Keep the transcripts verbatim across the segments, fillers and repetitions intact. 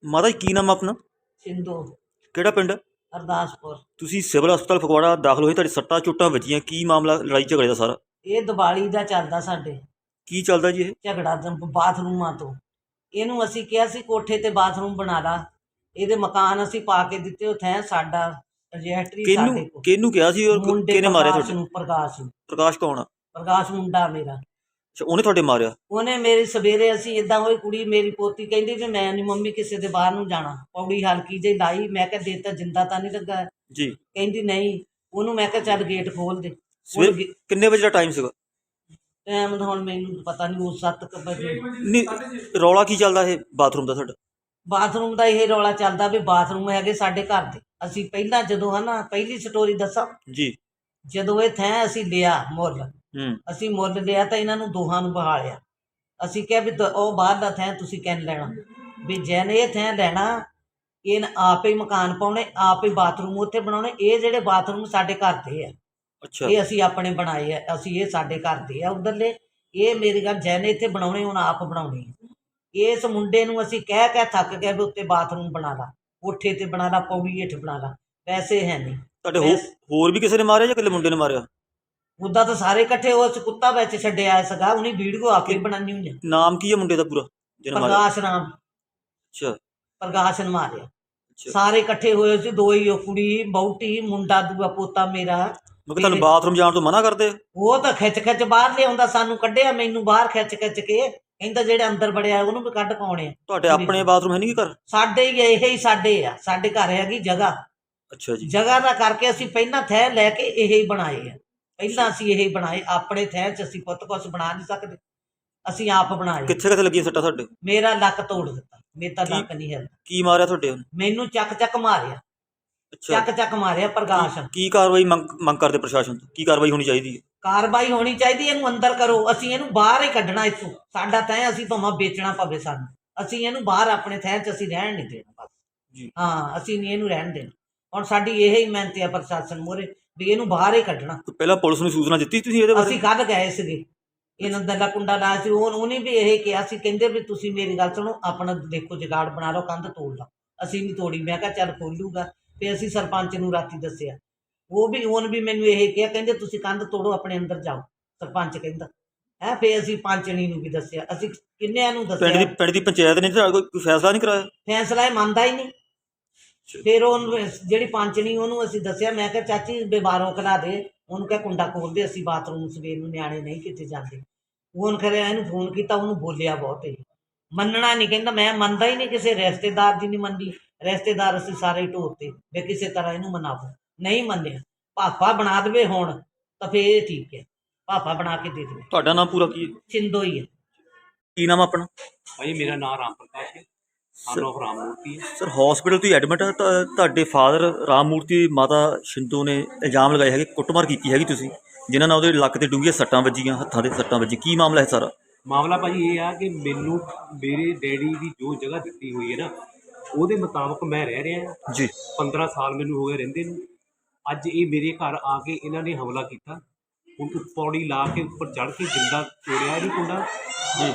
ਮਾਤਾ ਜੀ ਕੀ ਨਾਮ ਆ ਆਪਣਾ? ਸਿੰਧੂ ਕਿਹੜਾ ਪਿੰਡ? ਅਰਦਾਸਪੁਰ। ਤੁਸੀਂ ਸਿਵਲ ਹਸਪਤਾਲ ਫਗਵਾੜਾ ਦਾਖਲ ਹੋਏ, ਤੁਹਾਡੇ ਸੱਟਾਂ ਚੋਟਾਂ ਵੱਜੀਆਂ, ਕੀ ਮਾਮਲਾ ਲੜਾਈ ਝਗੜੇ ਦਾ ਸਾਰਾ? ਇਹ ਦੀਵਾਲੀ ਦਾ ਚੱਲਦਾ ਸਾਡੇ ਕੀ ਚੱਲਦਾ ਜੀ ਇਹ? ਝਗੜਾ ਤਾਂ ਬਾਥਰੂਮਾਂ ਤੋਂ। ਇਹਨੂੰ ਅਸੀਂ ਕਿਹਾ ਸੀ ਕੋਠੇ ਤੇ ਬਾਥਰੂਮ ਬਣਾ ਲਾ, ਇਹਦੇ ਮਕਾਨ ਅਸੀਂ ਪਾ ਕੇ ਦਿੱਤੇ, ਉੱਥੇ ਸਾਡਾ ਰਜਿਸਟਰੀ ਸਾਡੇ ਕਿਹਨੂੰ ਕੋਲ। ਕਿਹਨੂੰ ਕਿਹਾ ਸੀ ਔਰ ਮੁੰਡੇ ਕਿਹਨੇ ਮਾਰਿਆ ਪ੍ਰਕਾਸ਼ ਤੁਹਾਡੇ? ਨੂੰ ਪ੍ਰਕਾਸ਼ ਨੂੰ ਪ੍ਰਕਾਸ਼ ਕੌਣ ਆ? ਪ੍ਰਕਾਸ਼ ਮੁੰਡਾ ਮੇਰਾ। ਅੱਛਾ, ਉਹਨੇ ਤੁਹਾਡੇ ਮਾਰਿਆ? ਉਹਨੇ ਮੇਰੀ ਸਵੇਰੇ ਅਸੀਂ ਇਦਾਂ ਹੋਈ, ਕੁੜੀ ਮੇਰੀ ਪੋਤੀ ਕਹਿੰਦੀ ਵੀ ਮੈਂ ਨਹੀਂ ਮੰਮੀ ਕਿਸੇ ਦੇ ਬਾਹਰ ਨੂੰ ਜਾਣਾ, ਪੌੜੀ ਹਲਕੀ ਜਿਹੀ ਲਾਈ, ਮੈਂ ਕਿਹਾ ਦੇ ਤਾਂ ਜਿੰਦਾ ਤਾਂ ਨਹੀਂ ਲੱਗਾ ਜੀ। ਕਹਿੰਦੀ ਨਹੀਂ। ਉਹਨੂੰ ਮੈਂ ਕਿਹਾ ਚੱਲ ਗੇਟ ਖੋਲ ਦੇ। ਸਵੇਰ ਕਿੰਨੇ ਵਜੇ ਦਾ ਟਾਈਮ ਸੀਗਾ? ਟਾਈਮ ਹੁਣ ਮੈਨੂੰ ਪਤਾ ਨਹੀਂ, ਉਹ ਸੱਤ ਕੁ ਵਜੇ। ਨਹੀਂ, ਰੌਲਾ ਕੀ ਚੱਲਦਾ ਇਹ ਬਾਥਰੂਮ ਦਾ ਤੁਹਾਡਾ? ਬਾਥਰੂਮ ਦਾ ਇਹ ਰੌਲਾ ਚੱਲਦਾ ਵੀ ਬਾਥਰੂਮ ਹੈਗੇ ਸਾਡੇ ਘਰ ਦੇ। ਅਸੀਂ ਪਹਿਲਾਂ ਜਦੋਂ ਹੈ ਨਾ, ਪਹਿਲੀ ਸਟੋਰੀ ਦੱਸਾਂ ਜੀ। ਜਦੋਂ ਇਹ ਥੈਂ ਅਸੀਂ ਲਿਆ ਮੁੱਲ, ਹੂੰ। ਅਸੀਂ ਮੁੱਲ ਲਿਆ ਤਾਂ ਇਹਨਾਂ ਨੂੰ ਦੋਹਾਂ ਨੂੰ ਬਹਾਲਿਆ। ਅਸੀਂ ਕਿਹਾ ਵੀ ਦ- ਉਹ ਬਾਹਰ ਦਾ ਥੈਂ ਤੁਸੀਂ ਕਹਿਣ ਲੈਣਾ ਵੀ ਜੈਨ ਇਹ ਥੈਂ ਲੈਣਾ, ਇਹ ਆਪ ਹੀ ਮਕਾਨ ਪਾਉਣੇ, ਆਪ ਹੀ ਬਾਥਰੂਮ ਉੱਥੇ ਬਣਾਉਣੇ। ਇਹ ਜਿਹੜੇ ਬਾਥਰੂਮ ਸਾਡੇ ਘਰ ਦੇ ਆ, ਅੱਛਾ। ਇਹ ਅਸੀਂ ਆਪਣੇ ਬਣਾਏ ਆ, ਅਸੀਂ ਇਹ ਸਾਡੇ ਘਰ ਦੇ ਆ ਉਧਰਲੇ। ਇਹ ਮੇਰੀ ਗੱਲ ਜੈਨ ਇੱਥੇ ਬਣਾਉਣੇ, ਹੁਣ ਆਪ ਬਣਾਉਣੇ ਆ। ਇਸ ਮੁੰਡੇ ਨੂੰ ਅਸੀਂ ਕਹਿ ਕਹਿ ਥੱਕ ਗਏ ਵੀ ਉੱਤੇ ਬਾਥਰੂਮ ਬਣਾ ਲਾ, ਕੋਠੇ ਤੇ ਬਣਾ ਲਾ, ਪੌੜੀ ਹੇਠ ਬਣਾ ਲਾ। ਪੈਸੇ ਹੈ ਨਹੀਂ। ਤੁਹਾਡੇ ਹੋ- ਹੋਰ ਵੀ ਕਿਸੇ ਨੇ ਮਾਰਿਆ ਜਾਂ ਇਕੱਲੇ ਮੁੰਡੇ ਨੇ ਮਾਰਿਆ? ਉੱਦਾਂ ਤਾਂ ਸਾਰੇ ਇਕੱਠੇ, ਉਸ ਕੁੱਤਾ ਵਿੱਚ ਛੱਡਿਆ ਸੀਗਾ, ਉਹਨੇ ਵੀਡੀਓ ਆ ਕੇ ਬਣਾਉਣੀ ਹੋਈ ਆ। ਨਾਮ ਕੀ ਹੈ ਮੁੰਡੇ ਦਾ ਪੂਰਾ ਜਿਹਨੇ ਮਾਰਿਆ? ਪ੍ਰਕਾਸ਼ ਨਾਮ, ਅੱਛਾ ਪ੍ਰਕਾਸ਼ ਨੇ ਮਾਰਿਆ। ਅੱਛਾ। ਸਾਰੇ ਇਕੱਠੇ ਹੋਏ ਸੀ, ਦੋ ਹੀ, ਉਹ ਕੁੜੀ ਬਹੁਤੀ, ਮੁੰਡਾ ਦੂਆ ਪੋਤਾ ਮੇਰਾ। ਮਤਲਬ ਤੁਹਾਨੂੰ ਬਾਥਰੂਮ ਜਾਣ ਤੋਂ ਮਨਾ ਕਰਦੇ? ਉਹ ਤਾਂ ਖਿੱਚ ਖਿੱਚ ਬਾਹਰ ਲਿਆਉਂਦਾ, ਸਾਨੂੰ ਕੱਢਿਆ, ਮੈਨੂੰ ਬਾਹਰ ਖਿੱਚ ਖਿੱਚ ਕੇ ਕਹਿੰਦਾ ਜਿਹੜੇ ਅੰਦਰ ਵੜਿਆ ਉਹਨੂੰ ਵੀ ਕੱਢ ਪਾਉਣੇ ਆ। ਤੁਹਾਡੇ ਆਪਣੇ ਬਾਥਰੂਮ ਹੈ ਨਹੀਂ ਕੀ ਘਰ? ਸਾਡੇ ਹੀ ਇਹ ਹੀ ਸਾਡੇ ਆ, ਸਾਡੇ ਘਰ ਹੈਗੀ ਜਗ੍ਹਾ। ਅੱਛਾ ਜੀ। ਜਗ੍ਹਾ ਦਾ ਕਰਕੇ ਅਸੀਂ ਪਹਿਲਾਂ ਥੈਂ ਲੈ ਕੇ ਇਹ ਹੀ ਬਣਾਏ ਆ। ਪਹਿਲਾਂ ਅਸੀਂ ਇਹ ਹੀ ਬਣਾਏ, ਆਪਣੇ ਥੈਂ 'ਚ ਅਸੀਂ ਪੁੱਤ ਕੁਛ ਬਣਾ ਨਹੀਂ ਸਕਦੇ, ਅਸੀਂ ਆਪ ਬਣਾਏ। ਕਿੱਥੇ ਕਿੱਥੇ ਲੱਗੀਆਂ ਸੱਟਾਂ ਤੁਹਾਡੇ? ਮੇਰਾ ਲੱਕ ਤੋੜ ਦਿੱਤਾ, ਮੇਰਾ ਤਾਂ ਕੀ- ਲੱਕ ਨਹੀਂ ਹਿਲਦਾ। ਕੀ ਮਾਰਿਆ ਤੁਹਾਡੇ ਉਹਨੇ? ਮੈਨੂੰ ਚੱਕ ਚੱਕ ਮਾਰਿਆ, ਅੱਛਾ। ਚੱਕ ਚੱਕ ਮਾਰਿਆ ਪ੍ਰਕਾਸ਼। ਕੀ ਕਾਰਵਾਈ ਮੰਗ ਮੰਗ ਕਰਦੇ ਪ੍ਰਸ਼ਾਸਨ ਤੋਂ? ਕੀ ਕਾਰਵਾਈ ਹੋਣੀ ਚਾਹੀਦੀ ਹੈ? ਕਾਰਵਾਈ ਹੋਣੀ ਚਾਹੀਦੀ, ਇਹਨੂੰ ਅੰਦਰ ਕਰੋ, ਅਸੀਂ ਇਹਨੂੰ ਬਾਹਰ ਹੀ ਕੱਢਣਾ ਇੱਥੋਂ। ਸਾਡਾ ਤੈਂ ਅਸੀਂ ਭਾਵੇਂ ਵੇਚਣਾ ਪਵੇ ਸਾਨੂੰ, ਅਸੀਂ ਇਹਨੂੰ ਬਾਹਰ ਆਪਣੇ ਥੈਂ 'ਚ ਅਸੀਂ ਰਹਿਣ ਨਹੀਂ ਦੇਣਾ ਬਸ। ਜੀ। ਹਾਂ, ਅਸੀਂ ਨਹੀਂ ਇਹਨੂੰ ਰਹਿਣ ਦੇਣਾ। ਹੁਣ ਸਾਡੀ ਇਹ ਹੀ ਮਿਹਨਤ ਆ ਪ੍ਰਸ਼ਾਸਨ ਮੂਹਰੇ ਵੀ ਇਹਨੂੰ ਬਾਹਰ ਹੀ ਕੱਢਣਾ। ਪਹਿਲਾਂ ਪੁਲਿਸ ਨੂੰ ਸੂਚਨਾ ਦਿੱਤੀ ਤੁਸੀਂ ਇਹਦੇ ਬਾਰੇ? ਅਸੀਂ ਕੱਢ ਗਏ ਸੀਗੇ, ਇਹਨਾਂ ਦਾ ਕੁੰਡਾ ਲਾਇਆ ਸੀ। ਉਹ ਉਹਨੇ ਵੀ ਇਹ ਕਿਹਾ ਸੀ, ਕਹਿੰਦੇ ਵੀ ਤੁਸੀਂ ਮੇਰੀ ਗੱਲ ਸੁਣੋ, ਆਪਣਾ ਦੇਖੋ ਜੁਗਾੜ ਬਣਾ ਲਓ, ਕੰਧ ਤੋੜ ਲਓ। ਅਸੀਂ ਨਹੀਂ ਤੋੜੀ। ਮੈਂ ਕਿਹਾ ਚੱਲ ਖੋਲੂਗਾ। ਤੇ ਅਸੀਂ ਸਰਪੰਚ ਨੂੰ ਰਾਤੀ ਦੱਸਿਆ, ਉਹ ਵੀ ਉਹਨ ਵੀ ਮੈਨੂੰ ਇਹ ਕਿਹਾ, ਕਹਿੰਦੇ ਤੁਸੀਂ ਕੰਧ ਤੋੜੋ, ਆਪਣੇ ਅੰਦਰ ਜਾਓ, ਸਰਪੰਚ ਕਹਿੰਦਾ ਹੈ। ਫਿਰ ਅਸੀਂ ਪੰਚਣੀ ਨੂੰ ਵੀ ਦੱਸਿਆ, ਅਸੀਂ ਕਿੰਨਿਆਂ ਨੂੰ ਪਿੰਡ ਦੀ ਦੱਸਿਆ। ਪਿੰਡ ਦੀ ਪੰਚਾਇਤ ਨੇ ਤੁਹਾਡਾ ਕੋਈ ਫੈਸਲਾ ਨਹੀਂ ਕਰਾਇਆ? ਫੈਸਲਾ ਇਹ ਮੰਨਦਾ ਹੀ ਨਹੀਂ। ਫਿਰ ਉਹਨੂੰ ਜਿਹੜੀ ਪੰਚਣੀ, ਉਹਨੂੰ ਅਸੀਂ ਦੱਸਿਆ, ਮੈਂ ਕਿਹਾ ਚਾਚੀ ਬਿਮਾਰੋਂ ਖਲਾ ਦੇ, ਉਹਨੂੰ ਕਿਹਾ ਕੁੰਡਾ ਖੋਲ ਦੇ, ਅਸੀਂ ਬਾਥਰੂਮ ਸਵੇਰ ਨੂੰ ਨਿਆਣੇ ਨਹੀਂ ਕਿਤੇ ਜਾਂਦੇ। ਉਹਨ ਕਰਿਆ, ਇਹਨੂੰ ਫੋਨ ਕੀਤਾ, ਉਹਨੂੰ ਬੋਲਿਆ ਬਹੁਤ ਇਹ ਮੰਨਣਾ ਨਹੀਂ, ਕਹਿੰਦਾ ਮੈਂ ਮੰਨਦਾ ਹੀ ਨਹੀਂ, ਕਿਸੇ ਰਿਸ਼ਤੇਦਾਰ ਦੀ ਨਹੀਂ ਮੰਨੀ। ਰਿਸ਼ਤੇਦਾਰ ਅਸੀਂ ਸਾਰੇ ਢੋਤੇ ਵੀ ਕਿਸੇ ਤਰ੍ਹਾਂ ਇਹਨੂੰ ਮਨਾਵੋ, ਨਹੀਂ ਮੰਨਿਆ। ਪਾਪਾ ਬਣਾ ਦੇਵੇ ਹੁਣ ਤਾਂ ਫੇਰ ਠੀਕ ਹੈ, ਪਾਪਾ ਬਣਾ ਕੇ ਦੇ ਦੇਵੇ। ਤੁਹਾਡਾ ਨਾਮ ਪੂਰਾ ਕੀ ਹੈ? ਸਿੰਧੂ ਹੀ ਹੈ। ਕੀ ਨਾਮ ਆਪਣਾ? ਭਾਈ ਮੇਰਾ ਨਾਮ ਰਾਮ ਪ੍ਰਕਾਸ਼ ਹੈ, ਸਨ ਆਫ ਰਾਮ ਮੂਰਤੀ ਹੈ। ਸਰ ਹਸਪੀਟਲ ਤੁਸੀਂ ਐਡਮਿਟ ਆ ਤਾਂ ਤੁਹਾਡੇ ਫਾਦਰ ਰਾਮ ਮੂਰਤੀ, ਮਾਤਾ ਸ਼ਿੰਦੂ ਨੇ ਇਲਜ਼ਾਮ ਲਗਾਏ ਹੈਗੇ ਕੁੱਟਮਾਰ ਕੀਤੀ ਹੈਗੀ ਤੁਸੀਂ, ਜਿਨ੍ਹਾਂ ਨਾਲ ਉਹਦੇ ਲੱਕ ਤੇ ਡੂੰਘੀਆਂ ਸੱਟਾਂ ਵੱਜੀਆਂ, ਹੱਥਾਂ ਦੇ ਸੱਟਾਂ ਵੱਜੀ। ਕੀ ਮਾਮਲਾ ਹੈ ਸਾਰਾ? ਮਾਮਲਾ ਭਾਜੀ ਇਹ ਆ ਕਿ ਮੈਨੂੰ ਮੇਰੇ ਡੈਡੀ ਦੀ ਜੋ ਜਗ੍ਹਾ ਦਿੱਤੀ ਹੋਈ ਹੈ ਨਾ, ਉਹਦੇ ਮੁਤਾਬਕ ਮੈਂ ਰਹਿ ਰਿਹਾ ਜੀ। ਪੰਦਰਾਂ ਸਾਲ ਮੈਨੂੰ ਹੋ ਗਏ ਰਹਿੰਦੇ ਨੂੰ। ਅੱਜ ਇਹ ਮੇਰੇ ਘਰ ਆ ਕੇ ਇਹਨਾਂ ਨੇ ਹਮਲਾ ਕੀਤਾ, ਹੁਣ ਪੌੜੀ ਲਾ ਕੇ ਉੱਪਰ ਚੜ੍ਹ ਕੇ ਜਿੰਦਾ ਤੋੜਿਆ ਇਹਦੀ ਕੁੰਡਾ ਜੀ।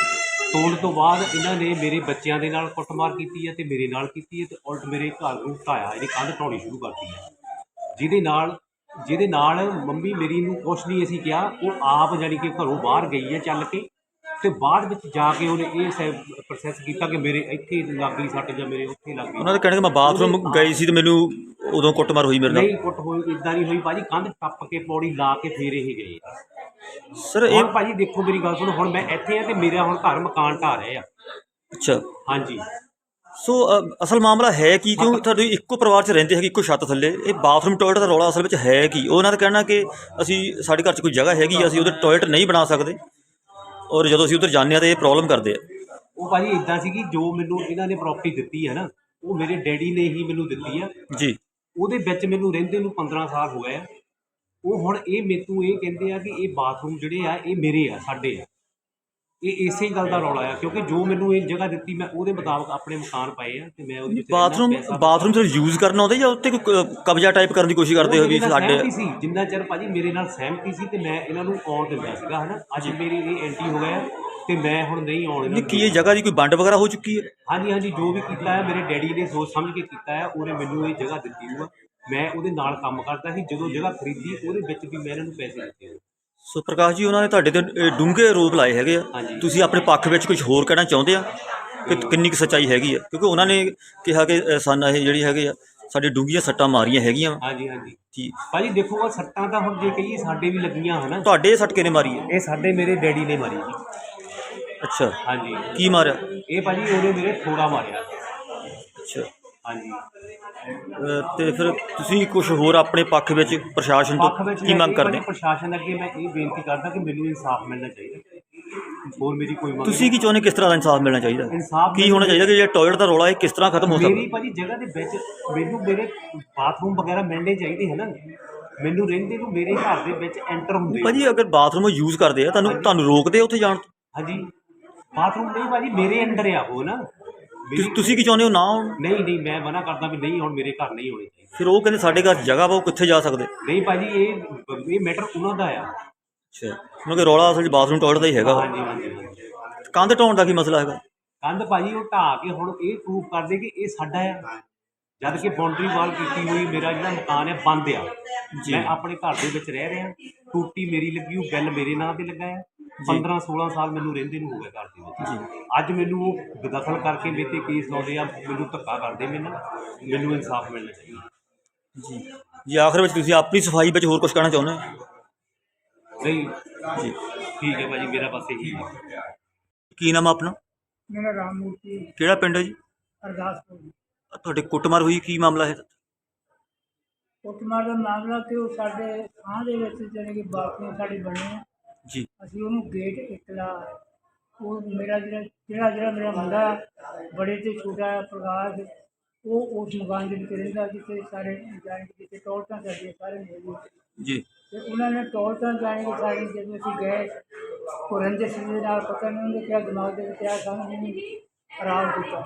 ਤੋੜਨ ਤੋਂ ਬਾਅਦ ਇਹਨਾਂ ਨੇ ਮੇਰੇ ਬੱਚਿਆਂ ਦੇ ਨਾਲ ਕੁੱਟਮਾਰ ਕੀਤੀ ਹੈ ਤੇ ਮੇਰੇ ਨਾਲ ਕੀਤੀ ਹੈ, ਤੇ ਉਲਟ ਮੇਰੇ ਘਰ ਨੂੰ ਢਾਇਆ, ਇਹਦੀ ਕੰਧ ਢਾਉਣੀ ਸ਼ੁਰੂ ਕਰਤੀ ਹੈ, ਜਿਹਦੇ ਨਾਲ ਜਿਹਦੇ ਨਾਲ ਮੰਮੀ ਮੇਰੀ ਨੂੰ ਕੁਛ ਨਹੀਂ ਅਸੀਂ ਕਿਹਾ, ਉਹ ਆਪ ਜਾਣੀ ਕਿ ਘਰੋਂ ਬਾਹਰ ਗਈ ਹੈ ਚੱਲ ਕੇ, ਤੇ ਬਾਅਦ ਵਿੱਚ ਜਾ ਕੇ ਉਹਨੇ ਇਹ ਪ੍ਰੋਸੈਸ ਕੀਤਾ ਕਿ ਮੇਰੇ ਇੱਥੇ ਲੱਗ ਗਈ ਸੱਟ ਜਾਂ ਮੇਰੇ ਉੱਥੇ ਲੱਗ ਗਈ। ਉਹਨਾਂ ਦਾ ਕਹਿਣਾ ਕਿ ਮੈਂ ਬਾਥਰੂਮ ਗਈ ਸੀ ਤੇ ਮੈਨੂੰ ਉਦੋਂ ਕੁੱਟਮਾਰ ਹੋਈ ਮੇਰੇ ਨਾਲ। ਨਹੀਂ ਕੁੱਟ ਹੋਈ, ਇੱਦਾਂ ਨਹੀਂ ਹੋਈ ਭਾਜੀ, ਕੰਧ ਟੱਪ ਕੇ ਪੌੜੀ ਲਾ ਕੇ ਫੇਰ ਇਹ ਗਏ। ਸਰ ਇਹ ਹੁਣ ਭਾਜੀ ਦੇਖੋ ਮੇਰੀ ਗੱਲ ਸੁਣੋ, ਹੁਣ ਮੈਂ ਇੱਥੇ ਆ ਤੇ ਮੇਰਾ ਹੁਣ ਘਰ ਮਕਾਨ ਢਾਹ ਰਹੇ ਆ। ਅੱਛਾ। ਹਾਂਜੀ। ਸੋ ਅ, ਅਸਲ ਮਾਮਲਾ ਹੈ ਕੀ, ਕਿਉਂ ਤੁਹਾਡੇ ਇੱਕੋ ਪਰਿਵਾਰ 'ਚ ਰਹਿੰਦੇ ਹੈਗੇ, ਇੱਕੋ ਛੱਤ ਥੱਲੇ, ਇਹ ਬਾਥਰੂਮ ਟੋਇਲਟ ਦਾ ਰੌਲਾ ਅਸਲ ਵਿੱਚ ਹੈ ਕੀ? ਉਹਨਾਂ ਦਾ ਕਹਿਣਾ ਕਿ ਅਸੀਂ ਸਾਡੇ ਘਰ 'ਚ ਕੋਈ ਜਗ੍ਹਾ ਹੈਗੀ, ਅਸੀਂ ਉਹਦੇ ਟੋਇਲਟ ਨਹੀਂ ਬਣਾ ਸਕਦੇ, ਔਰ ਜਦੋਂ ਅਸੀਂ ਉੱਧਰ ਜਾਂਦੇ ਹਾਂ ਤਾਂ ਇਹ ਪ੍ਰੋਬਲਮ ਕਰਦੇ ਆ। ਉਹ ਭਾਜੀ ਇੱਦਾਂ ਸੀਗੀ, ਜੋ ਮੈਨੂੰ ਇਹਨਾਂ ਨੇ ਪ੍ਰਾਪਰਟੀ ਦਿੱਤੀ ਹੈ ਨਾ, ਉਹ ਮੇਰੇ ਡੈਡੀ ਨੇ ਹੀ ਮੈਨੂੰ ਦਿੱਤੀ ਆ ਜੀ। ਉਹਦੇ ਵਿੱਚ ਮੈਨੂੰ ਰਹਿੰਦੇ ਨੂੰ ਪੰਦਰਾਂ ਸਾਲ ਹੋ ਗਏ ਆ। ਉਹ ਹੁਣ ਇਹ ਮੈਨੂੰ ਇਹ ਕਹਿੰਦੇ ਆ ਕਿ ਇਹ ਬਾਥਰੂਮ ਜਿਹੜੇ ਆ ਇਹ ਮੇਰੇ ਆ, ਸਾਡੇ ਆ। ਇਹ ਇਸੇ ਗੱਲ ਦਾ ਰੌਲਾ ਆ, ਕਿਉਂਕਿ ਜੋ ਮੈਨੂੰ ਇਹ ਜਗ੍ਹਾ ਦਿੱਤੀ ਮੈਂ ਉਹਦੇ ਮੁਤਾਬਕ ਆਪਣੇ ਮਕਾਨ ਪਾਏ ਆ, ਤੇ ਮੈਂ ਉਹਦੇ ਵਿੱਚ ਬਾਥਰੂਮ ਬਾਥਰੂਮ ਸਿਰਫ ਯੂਜ਼ ਕਰਨਾ ਆਉਂਦਾ ਜਾਂ ਉੱਤੇ ਕੋਈ ਕਬਜ਼ਾ ਟਾਈਪ ਕਰਨ ਦੀ ਕੋਸ਼ਿਸ਼ ਕਰਦੇ ਹੋ ਵੀ ਸਾਡੇ? ਸੀ ਜਿੰਨਾ ਚਿਰ ਭਾਜੀ ਮੇਰੇ ਨਾਲ ਸਹਿਮਤੀ ਸੀ ਤੇ ਮੈਂ ਇਹਨਾਂ ਨੂੰ ਆਉਣ ਦਿੰਦਾ ਸੀਗਾ, ਹੈ ਨਾ। ਅੱਜ ਮੇਰੀ ਇਹ ਐਂਟਰੀ ਹੋ ਗਿਆ ਤੇ ਮੈਂ ਹੁਣ ਨਹੀਂ ਆਉਣ ਇਹਨਾਂ ਨਹੀਂ ਨੂੰ ਕੀ ਇਹ ਜਗ੍ਹਾ ਦੀ ਕੋਈ ਵੰਡ ਵਗੈਰਾ ਹੋ ਚੁੱਕੀ ਹੈ? ਹਾਂਜੀ ਹਾਂਜੀ ਜੋ ਵੀ ਕੀਤਾ ਹੈ ਮੇਰੇ ਡੈਡੀ ਨੇ ਸੋਚ ਸਮਝ ਕੇ ਕੀਤਾ ਹੈ, ਉਹਨੇ ਮੈਨੂੰ ਇਹ ਜਗ੍ਹਾ ਦਿੱਤੀ ਹੋਈ ਆ। ਮੈਂ ਉਹਦੇ ਨਾਲ ਕੰਮ ਕਰਦਾ ਸੀ, ਜਦੋਂ ਜਗ੍ਹਾ ਖਰੀਦੀ ਉਹਦੇ ਵਿੱਚ ਵੀ ਮੈਂ ਇਹਨਾਂ ਨੂੰ ਪੈਸੇ ਦਿੱਤੇ ਹੋਏ। ਸੋ ਪ੍ਰਕਾਸ਼ ਜੀ ਉਹਨਾਂ ਨੇ ਤੁਹਾਡੇ ਤੇ ਡੂੰਘੇ ਆਰੋਪ ਲਾਏ ਹੈਗੇ ਆ, ਹਾਂਜੀ। ਤੁਸੀਂ ਆਪਣੇ ਪੱਖ ਵਿੱਚ ਕੁਝ ਹੋਰ ਕਹਿਣਾ ਚਾਹੁੰਦੇ ਆ ਕਿ ਕਿੰਨੀ ਕੁ ਸੱਚਾਈ ਹੈਗੀ ਆ? ਕਿਉਂਕਿ ਉਹਨਾਂ ਨੇ ਕਿਹਾ ਕਿ ਅ, ਸਾਨੂੰ ਇਹ ਜਿਹੜੀ ਹੈਗੇ ਆ ਸਾਡੇ ਡੂੰਘੀਆਂ ਸੱਟਾਂ ਮਾਰੀਆਂ ਹੈਗੀਆਂ। ਹਾਂਜੀ ਹਾਂਜੀ ਜੀ ਭਾਜੀ ਦੇਖੋ ਉਹ ਸੱਟਾਂ ਤਾਂ ਹੁਣ ਜੇ ਕਹੀਏ ਸਾਡੇ ਵੀ ਲੱਗੀਆਂ ਹਨ। ਤੁਹਾਡੇ ਸੱਟ ਕਿਹਨੇ ਮਾਰੀ ਹੈ? ਇਹ ਸਾਡੇ ਮੇਰੇ ਡੈਡੀ ਨੇ ਮਾਰੀ ਜੀ। ਅੱਛਾ, ਹਾਂਜੀ ਕੀ ਮਾਰਿਆ? ਇਹ ਭਾਜੀ ਉਹਨੇ ਮੇਰੇ ਥੋੜਾ ਮਾਰਿਆ। ਅੱਛਾ, ਹਾਂਜੀ ਅ, ਤੇ ਫਿਰ ਤੁਸੀਂ ਕੁਝ ਹੋਰ ਆਪਣੇ ਪੱਖ ਵਿੱਚ ਪ੍ਰਸ਼ਾਸਨ ਪੱਖ ਤੋਂ ਵਿੱਚ ਕੀ ਮੈਂ ਮੰਗ ਇਹ ਕਰਦੇ? ਭਾਜੀ ਪ੍ਰਸ਼ਾਸਨ ਅੱਗੇ ਮੈਂ ਇਹ ਬੇਨਤੀ ਕਰਦਾ ਕਿ ਮੈਨੂੰ ਇਨਸਾਫ ਮਿਲਣਾ ਚਾਹੀਦਾ। ਹੋਰ ਮੇਰੀ ਕੋਈ ਮੰਗ ਤੁਸੀਂ ਕੀ ਚਾਹੁੰਦੇ, ਕਿਸ ਤਰ੍ਹਾਂ ਦਾ ਇਨਸਾਫ ਮਿਲਣਾ ਚਾਹੀਦਾ? ਇਨਸਾਫ ਕੀ ਹੋਣਾ ਚਾਹੀਦਾ ਕਿ ਜਿਹੜਾ ਟਾਇਲਟ ਦਾ ਰੌਲਾ ਇਹ ਕਿਸ ਤਰ੍ਹਾਂ ਖਤਮ ਹੋ ਮੇਰੀ ਸਕਦਾ? ਭਾਜੀ ਜਗ੍ਹਾ ਦੇ ਵਿੱਚ ਮੈਨੂੰ ਮੇਰੇ ਬਾਥਰੂਮ ਵਗੈਰਾ ਮਿਲਣੇ ਚਾਹੀਦੇ ਹੈ ਨਾ। ਮੈਨੂੰ ਰਹਿੰਦੇ ਨੂੰ ਮੇਰੇ ਘਰ ਦੇ ਵਿੱਚ ਐਂਟਰ ਹੁੰਦੇ ਆ। ਭਾਜੀ ਅਗਰ ਬਾਥਰੂਮ ਯੂਜ਼ ਕਰਦੇ ਆ ਤੁਹਾਨੂੰ ਤੁਹਾਨੂੰ ਰੋਕਦੇ ਆ ਉੱਥੇ ਜਾਣ ਤੋਂ? ਹਾਂਜੀ ਬਾਥਰੂਮ ਨਹੀਂ ਭਾਜੀ ਮੇਰੇ ਅੰਡਰ ਆ ਉਹ ਨਾ। ਮੇਰੀ- ਤੁਸੀਂ ਤੁਸੀਂ ਕੀ ਚਾਹੁੰਦੇ ਹੋ ਨਾ ਆਉਣ? ਨਹੀਂ ਨਹੀਂ ਮੈਂ ਮਨਾ ਕਰਦਾ ਵੀ ਨਹੀਂ ਹੁਣ ਮੇਰੇ ਘਰ ਨਹੀਂ ਹੋਣੇ ਚਾਹੀਦੇ। ਫਿਰ ਉਹ ਕਹਿੰਦੇ ਸਾਡੇ ਘਰ ਜਗ੍ਹਾ ਵਾ, ਉਹ ਕਿੱਥੇ ਜਾ ਸਕਦੇ? ਨਹੀਂ ਭਾਜੀ ਇਹ ਇਹ ਮੈਟਰ ਉਹਨਾਂ ਦਾ ਆ। ਅੱਛਾ, ਕਿਉਂਕਿ ਰੌਲਾ ਅਸਲ 'ਚ ਬਾਥਰੂਮ ਟਾਇਲਟ ਦਾ ਹੀ ਹੈਗਾ ਵਾ। ਹਾਂਜੀ ਹਾਂਜੀ ਹਾਂਜੀ ਕੰਧ ਢਾਉਣ ਦਾ ਕੀ ਮਸਲਾ ਹੈਗਾ? ਕੰਧ ਭਾਜੀ ਉਹ ਢਾਹ ਕੇ ਹੁਣ ਇਹ ਪ੍ਰੂਫ ਕਰਦੇ ਕਿ ਇਹ ਸਾਡਾ ਆ, ਜਦ ਕਿ ਬਾਉਂਡਰੀ ਵਾਲ ਕੀਤੀ ਹੋਈ ਮੇਰਾ ਜਿਹੜਾ ਮਕਾਨ ਹੈ ਬੰਦ ਆ। ਜੀ। ਮੈਂ ਆਪਣੇ ਘਰ ਦੇ ਵਿੱਚ ਰਹਿ ਰਿਹਾ, ਟੂਟੀ ਮੇਰੀ ਲੱਗੀ ਹੋਈ, ਬਿੱਲ ਮੇਰੇ ਨਾਂ ਤੇ ਲੱਗਾ ਹੈ। ਪੰਦਰਾਂ ਸੋਲਾਂ ਸਾਲ ਮੈਨੂੰ ਰਹਿੰਦੇ ਨੂੰ ਹੋ ਗਏ ਘਰ ਦੇ ਵਿੱਚ। ਜੀ ਅੱਜ ਮੈਨੂੰ ਉਹ ਬੇਦਖਲ ਕਰਕੇ ਮੇਰੇ 'ਤੇ ਕੇਸ ਲਾਉਂਦੇ ਆ, ਮੈਨੂੰ ਧੱਕਾ ਕਰਦੇ ਮੈਨੂੰ ਮੈਨੂੰ ਇਨਸਾਫ ਮਿਲਣਾ ਚਾਹੀਦਾ। ਜੀ ਜੀ ਆਖਰ ਵਿੱਚ ਤੁਸੀਂ ਆਪਣੀ ਸਫਾਈ ਵਿੱਚ ਹੋਰ ਕੁਝ ਕਹਿਣਾ ਚਾਹੁੰਦੇ ਹੋ? ਨਹੀਂ ਜੀ ਠੀਕ ਹੈ ਭਾਜੀ ਮੇਰਾ ਬਸ ਇਹੀ ਹੈ। ਕੀ ਨਾਮ ਆ ਆਪਣਾ? ਮੇਰਾ ਰਾਮ ਮੂਰਤੀ ਕਿਹੜਾ ਪਿੰਡ ਹੈ ਜੀ? ਅਰਦਾਸਪੁਰ। ਤੁਹਾਡੇ ਕੁੱਟਮਾਰ ਹੋਈ, ਕੀ ਮਾਮਲਾ ਹੈ? ਕੁੱਟਮਾਰ ਦਾ ਮਾਮਲਾ ਕਿ ਉਹ ਸਾਡੇ ਥਾਂ ਦੇ ਵਿੱਚ ਜਾਣੀ ਕਿ ਬਾਥਰੂਮ ਸਾਡੇ ਬਣੇ ਆ, ਜੀ ਅਸੀਂ ਉਹਨੂੰ ਗੇਟ ਇਕਲਾ ਉਹ ਮੇਰਾ ਜਿਹੜਾ ਜਿਹੜਾ ਜਿਹੜਾ ਮੇਰਾ ਮੁੰਡਾ ਬੜੇ ਤੇ ਛੋਟਾ ਪ੍ਰਕਾਸ਼ ਉਹ ਉਸ ਮਕਾਨ ਦੇ ਵਿੱਚ ਰਹਿੰਦਾ ਜਿੱਥੇ ਸਾਰੇ ਜਾਣੀ ਕਿ ਜਿੱਥੇ ਟੋਲਟਾਂ ਚੱਲਦੀਆਂ ਸਾਰੇ ਮਿਲਦੇ। ਜੀ ਤੇ ਉਹਨਾਂ ਨੇ ਟੋਲਟਾਂ ਜਾਣੀ ਕਿ ਸਾਡੀ ਜਦੋਂ ਅਸੀਂ ਗਏ ਉਹ ਰੰਜਿਸ਼ ਦੇ ਨਾਲ ਪਤਾ ਨਹੀਂ ਉਹਨੇ ਕਿਹਾ ਦਿਮਾਗ ਦੇ ਵਿੱਚ ਆ ਸਾਨੂੰ ਨਹੀਂ ਖਰਾਬ ਕੀਤਾ।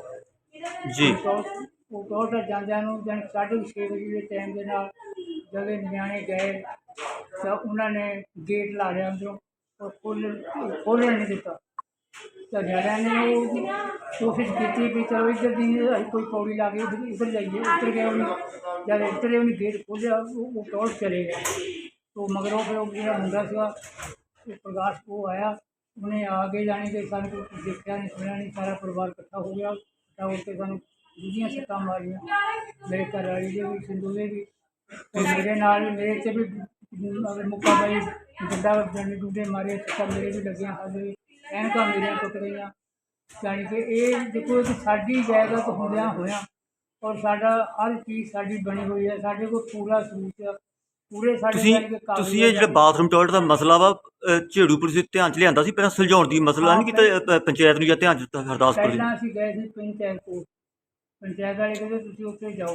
ਜੀ ਟੋਲ- ਉਹ ਟੋਲਟਾਂ ਜਾਂਦਿਆਂ ਨੂੰ ਜਾਣੀ ਸਾਢੇ ਛੇ ਵਜੇ ਦੇ ਟਾਈਮ ਦੇ ਨਾਲ ਜਦੋਂ ਨਿਆਣੇ ਗਏ ਤਾਂ ਉਹਨਾਂ ਨੇ ਗੇਟ ਲਾ ਲਿਆ ਅੰਦਰੋਂ ਉਹ ਖੋਲ੍ਹ ਖੋਲ੍ਹਣ ਨਹੀਂ ਦਿੱਤਾ। ਤਾਂ ਨਿਆਣਿਆਂ ਨੇ ਉਹ ਕੋਸ਼ਿਸ਼ ਕੀਤੀ ਵੀ ਚਲੋ ਇੱਧਰ ਦੀ ਅਸੀਂ ਕੋਈ ਪੌੜੀ ਲਾ ਕੇ ਇੱਧਰ ਇੱਧਰ ਜਾਈਏ। ਉੱਤਰ ਗਏ ਉਹਨੇ ਜਦ ਇੱਧਰ ਉਹਨੇ ਗੇਟ ਖੋਲ੍ਹਿਆ ਉਹ ਉਹ ਟੋਲ ਚਲੇ ਗਏ। ਉਹ ਮਗਰੋਂ ਫਿਰ ਉਹ ਜਿਹੜਾ ਮੁੰਡਾ ਸੀਗਾ ਉਹ ਪ੍ਰਕਾਸ਼ ਉਹ ਆਇਆ, ਉਹਨੇ ਆ ਕੇ ਜਾਣੀ ਕਿ ਸਾਨੂੰ ਕੁਛ ਦੇਖਿਆ ਨਹੀਂ ਸੁਣਿਆ ਨਹੀਂ, ਸਾਰਾ ਪਰਿਵਾਰ ਇਕੱਠਾ ਹੋ ਗਿਆ। ਇਕੱਠਾ ਹੋ ਕੇ ਸਾਨੂੰ ਦੂਜੀਆਂ ਸੱਟਾਂ ਮਾਰੀਆਂ, ਮੇਰੇ ਘਰ ਵਾਲੀ ਦੇ ਵੀ ਸਿੰਧੂ ਦੇ ਵੀ ਤੇ ਮੇਰੇ ਨਾਲ ਮੇਰੇ 'ਚ ਵੀ ਅਗਰ ਮੁੱਕਾ ਬਾਈ ਜਿੱਦਾਂ ਡੰਡੇ ਡੂਡੇ ਮਾਰੇ ਸੱਟਾਂ ਮੇਰੇ ਵੀ ਲੱਗੀਆਂ, ਸਾਡੇ ਵੀ ਐਨਕਾਂ ਮੇਰੀਆਂ ਟੁੱਟ ਗਈਆਂ। ਜਾਣੀ ਕਿ ਇਹ ਦੇਖੋ ਕਿ ਸਾਡੀ ਜਾਇਦਾਦ ਹੁੰਦਿਆਂ ਹੋਇਆਂ ਔਰ ਸਾਡਾ ਹਰ ਚੀਜ਼ ਸਾਡੀ ਬਣੀ ਹੋਈ ਹੈ, ਸਾਡੇ ਕੋਲ ਪੂਰਾ ਸਬੂਤ ਆ ਪੂਰੇ ਸਾਡੇ ਤੁਸੀਂ ਜਾਣੀ ਕਿ ਕਾਗਜ਼ ਤੁਸੀਂ ਇਹ ਜਿਹੜਾ ਬਾਥਰੂਮ ਟਾਇਲਟ ਦਾ ਮਸਲਾ ਵਾ ਅ, ਝੇੜੂ ਪੁਲਿਸ ਦੇ ਧਿਆਨ 'ਚ ਲਿਆਂਦਾ ਸੀ ਪਹਿਲਾਂ? ਸੁਲਝਾਉਣ ਦੀ ਮਸਲਾ ਨਹੀਂ ਕੀਤਾ ਅ, ਪੰਚਾਇਤ ਨੂੰ ਜਾਂ ਧਿਆਨ 'ਚ ਦਿੱਤਾ ਹਰਦਾਸਪੁਰ ਦੀ? ਪਹਿਲਾਂ ਅਸੀਂ ਗਏ ਸੀ ਪੰਚਾਇਤ ਕੋਲ, ਪੰਚਾਇਤ ਵਾਲੇ ਕਹਿੰਦੇ ਤੁਸੀਂ ਉੱਥੇ ਜਾਓ।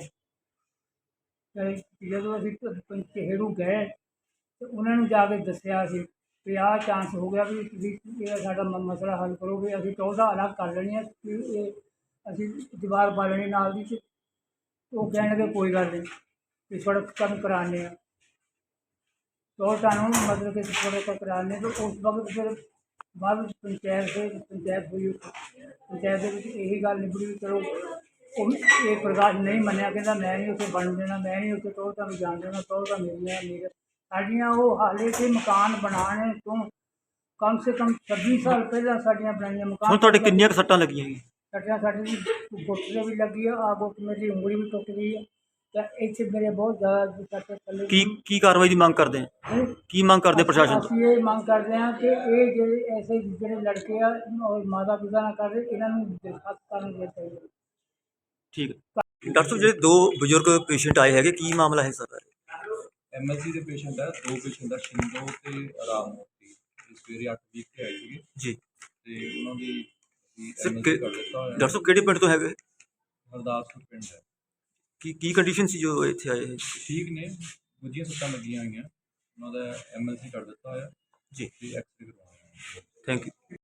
ਤੇ ਜਦੋਂ ਅਸੀਂ ਪੰਚੇਰੂ ਗਏ ਤੇ ਉਹਨਾਂ ਨੂੰ ਜਾ ਕੇ ਦੱਸਿਆ ਸੀ ਵੀ ਆਹ ਚਾਂਸ ਹੋ ਗਿਆ ਵੀ ਤੁਸੀਂ ਇਹ ਸਾਡਾ ਮ- ਮਸਲਾ ਹੱਲ ਕਰੋ ਵੀ ਅਸੀਂ ਚੌਦਾਂ ਅਲੱਗ ਕਰ ਲੈਣੀ ਹੈ ਵੀ ਇਹ ਅਸੀਂ ਦੀਵਾਰ ਪਾ ਲੈਣੀ ਨਾਲ ਦੀ। ਤੇ ਉਹ ਕਹਿਣਗੇ ਕੋਈ ਗੱਲ ਨਹੀਂ ਵੀ ਸੜਕ ਕੰਮ ਕਰਾਉਂਦੇ ਆ तो कानून मतलब कि थोड़े का कराने तो उस वक्त फिर बाद ਵਿੱਚ ਪੰਚਾਇਤ ਦੇ ਪੰਚਾਇਤ ਹੋਈ ਪੰਚਾਇਤ ਦੇ ਵਿੱਚ ਇਹੀ ਗੱਲ ਨਿਬੜੀ ਵੀ ਚਲੋ ਉਹ ਇਹ ਪ੍ਰਕਾਸ਼ ਨਹੀਂ ਮੰਨਿਆ, ਕਹਿੰਦਾ ਮੈਂ ਨਹੀਂ ਉੱਥੇ ਬਣ ਦੇਣਾ, ਮੈਂ ਨਹੀਂ ਉੱਥੇ ਟੋਲਟਾਂ ਨੂੰ ਜਾਣ ਦੇਣਾ, ਟੋਲਟਾਂ ਮੇਰੀਆਂ ਮੇਰੇ ਸਾਡੀਆਂ ਉਹ ਹਾਲੇ ਕਿ ਮਕਾਨ ਬਣਾਉਣ ਤੋਂ ਕਮ ਸੇ ਕਮ ਛੱਬੀ ਸਾਲ ਪਹਿਲਾਂ ਸਾਡੀਆਂ ਬਣਾਈਆਂ ਹੁਣ ਮਕਾਨ। ਤੁਹਾਡੇ ਕਿੰਨੀਆਂ ਕੁ ਸੱਟਾਂ ਲੱਗੀਆਂ ਜੀ? ਸੱਟਾਂ ਸਾਡੀ ਗੁੱਟ ਦੇ ਵੀ ਲੱਗੀ ਆ, ਆ ਗੁੱਟ ਮੇਰੀ ਉਂਗਲੀ ਵੀ ਟੁੱਟ ਗਈ ਹੈ ਤਾਂ ਇੱਥੇ ਮੇਰੇ ਬਹੁਤ ਜ਼ਿਆਦਾ ਸੱਟ ਥੱਲੇ ਕੀ ਕੀ ਕਾਰਵਾਈ ਦੀ ਮੰਗ ਕਰਦੇ ਆ? ਕੀ ਮੰਗ ਕਰਦੇ ਪ੍ਰਸ਼ਾਸਨ ਤੋਂ? ਅਸੀਂ ਇਹ ਮੰਗ ਕਰਦੇ ਹਾਂ ਕਿ ਇਹ ਜਿਹੜੇ ਐਸੇ ਜਿਹੜੇ ਲੜਕੇ ਆ ਔਰ ਮਾਤਾ ਪਿਤਾ ਨਾਲ ਕਰਦੇ ਇਹਨਾਂ ਨੂੰ ਦਰਖਾਸਤ ਕਰਨ ਦੇ ਚਾਹੀਦਾ। ਠੀਕ ਹੈ ਡਾਕਟਰ ਸਾਹਿਬ, ਜਿਹੜੇ ਦੋ ਬਜ਼ੁਰਗ ਪੇਸ਼ੈਂਟ ਆਏ ਹੈਗੇ, ਕੀ ਮਾਮਲਾ ਹੈ ਸਰ? ਐਮ ਐਲ ਸੀ ਦੇ ਪੇਸ਼ੈਂਟ ਹੈ, ਦੋ ਪੇਸ਼ੈਂਟ ਆ ਸ਼ਿੰਦੋ ਤੇ ਆਰਾਮ ਮੂਰਤੀ। ਇਹ ਸਵੇਰੇ ਅੱਠ ਵੀਹ ਤੇ ਆਏ ਸੀਗੇ ਜੀ ਤੇ ਉਹਨਾਂ ਦੀ ਸਰ ਐਮ ਐਲ ਕਿ- ਸੀ ਕਰ ਦਿੱਤਾ ਹੋਇਆ। ਡਾਕਟਰ ਸਾਹਿਬ ਕਿਹੜੇ ਪਿੰਡ ਤੋਂ ਹੈਗੇ? ਹਰਦਾਸਪੁਰ ਪਿੰਡ ਹੈ। ਕੀ ਕੀ ਕੰਡੀਸ਼ਨ ਸੀ ਜੋ ਇੱਥੇ ਆਏ? ਠੀਕ ਨੇ, ਗੁੱਝੀਆਂ ਸੱਟਾਂ ਲੱਗੀਆਂ ਹੋਈਆਂ। ਉਹਨਾਂ ਦਾ ਐਮ ਐਲ ਸੀ ਕਰ ਦਿੱਤਾ ਹੋਇਆ ਜੀ ਤੇ ਐਕਸਰੇ ਕਰਵਾਉਣਾ ਹੈ। Thank you.